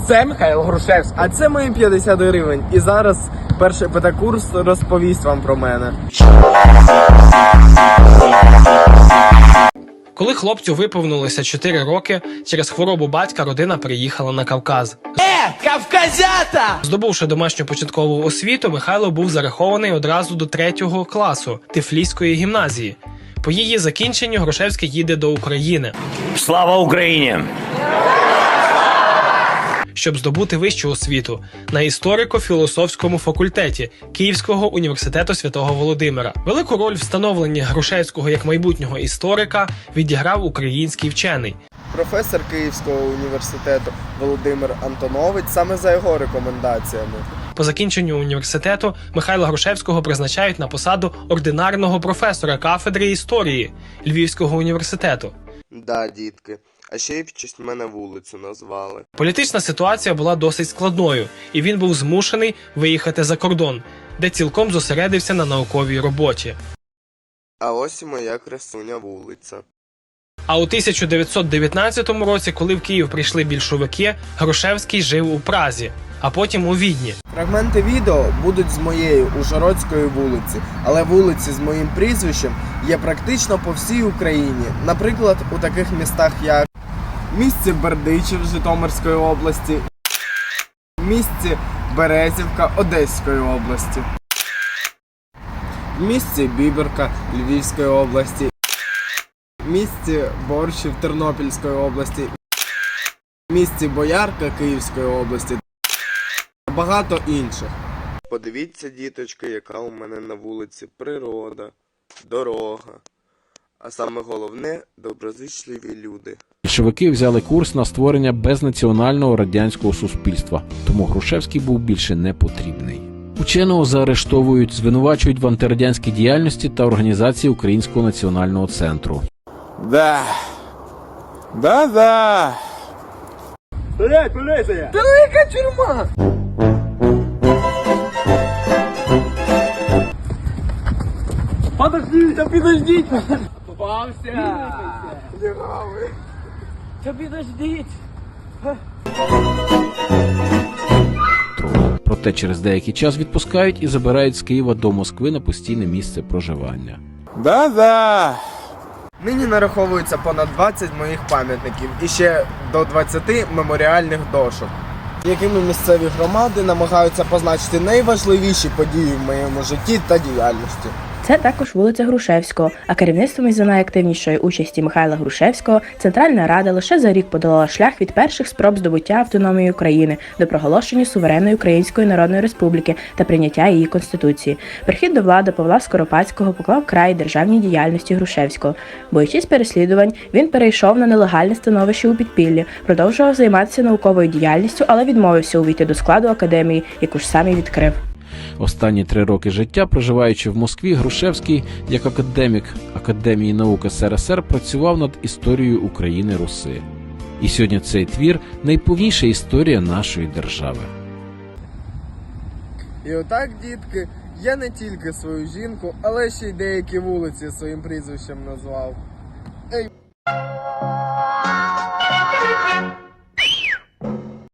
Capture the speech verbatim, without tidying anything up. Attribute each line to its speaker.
Speaker 1: Це Михайло Грушевський.
Speaker 2: А це мої п'ятдесят гривень. І зараз перший педакурс розповість вам про мене.
Speaker 3: Коли хлопцю виповнилося чотири роки, через хворобу батька родина переїхала на Кавказ.
Speaker 1: Е, кавказята!
Speaker 3: Здобувши домашню початкову освіту, Михайло був зарахований одразу до третього класу Тифліської гімназії. По її закінченню Грушевський їде до України.
Speaker 4: Слава Україні!
Speaker 3: Щоб здобути вищу освіту на історико-філософському факультеті Київського університету Святого Володимира. Велику роль в становленні Грушевського як майбутнього історика відіграв український вчений.
Speaker 2: Професор Київського університету Володимир Антонович саме за його рекомендаціями.
Speaker 3: По закінченню університету Михайла Грушевського призначають на посаду ординарного професора кафедри історії Львівського університету.
Speaker 2: Да, дітки. А ще й в честь мене вулицю назвали.
Speaker 3: Політична ситуація була досить складною, і він був змушений виїхати за кордон, де цілком зосередився на науковій роботі.
Speaker 2: А ось і моя красуня вулиця.
Speaker 3: А у тисяча дев'ятсот дев'ятнадцятому році, коли в Київ прийшли більшовики, Грушевський жив у Празі, а потім у Відні.
Speaker 2: Фрагменти відео будуть з моєї Ужгородської вулиці, але вулиці з моїм прізвищем є практично по всій Україні. Наприклад, у таких містах, як місті Бердичів Житомирської області, місті Березівка Одеської області, місті Біберка Львівської області, місті Борщів Тернопільської області, місті Боярка Київської області та багато інших. Подивіться, діточки, яка у мене на вулиці природа, дорога, а саме головне – доброзичливі люди.
Speaker 5: Більшовики взяли курс на створення безнаціонального радянського суспільства, тому Грушевський був більше не потрібний. Ученого заарештовують, звинувачують в антирадянській діяльності та організації Українського національного центру.
Speaker 6: Да. Да-да.
Speaker 1: Блять, поліція! Велика тюрма! Подождіть, та підождіть! Попався! Лягавий! Та підождіть!
Speaker 5: Проте через деякий час відпускають і забирають з Києва до Москви на постійне місце проживання.
Speaker 6: Да-да.
Speaker 2: Нині нараховується понад двадцять моїх пам'ятників і ще до двадцяти меморіальних дошок, якими місцеві громади намагаються позначити найважливіші події в моєму житті та діяльності.
Speaker 7: Це також вулиця Грушевського, а керівництвом із-за найактивнішої участі Михайла Грушевського Центральна Рада лише за рік подолала шлях від перших спроб здобуття автономії України до проголошення суверенної Української Народної Республіки та прийняття її Конституції. Прихід до влади Павла Скоропадського поклав край державній діяльності Грушевського. Боючись переслідувань, він перейшов на нелегальне становище у підпіллі, продовжував займатися науковою діяльністю, але відмовився увійти до складу академії, яку ж сам і відкрив.
Speaker 5: Останні три роки життя, проживаючи в Москві, Грушевський, як академік Академії наук ес ер ес ер, працював над історією України-Руси. І сьогодні цей твір – найповніша історія нашої держави.
Speaker 2: І отак, дітки, я не тільки свою жінку, але ще й деякі вулиці своїм прізвищем назвав.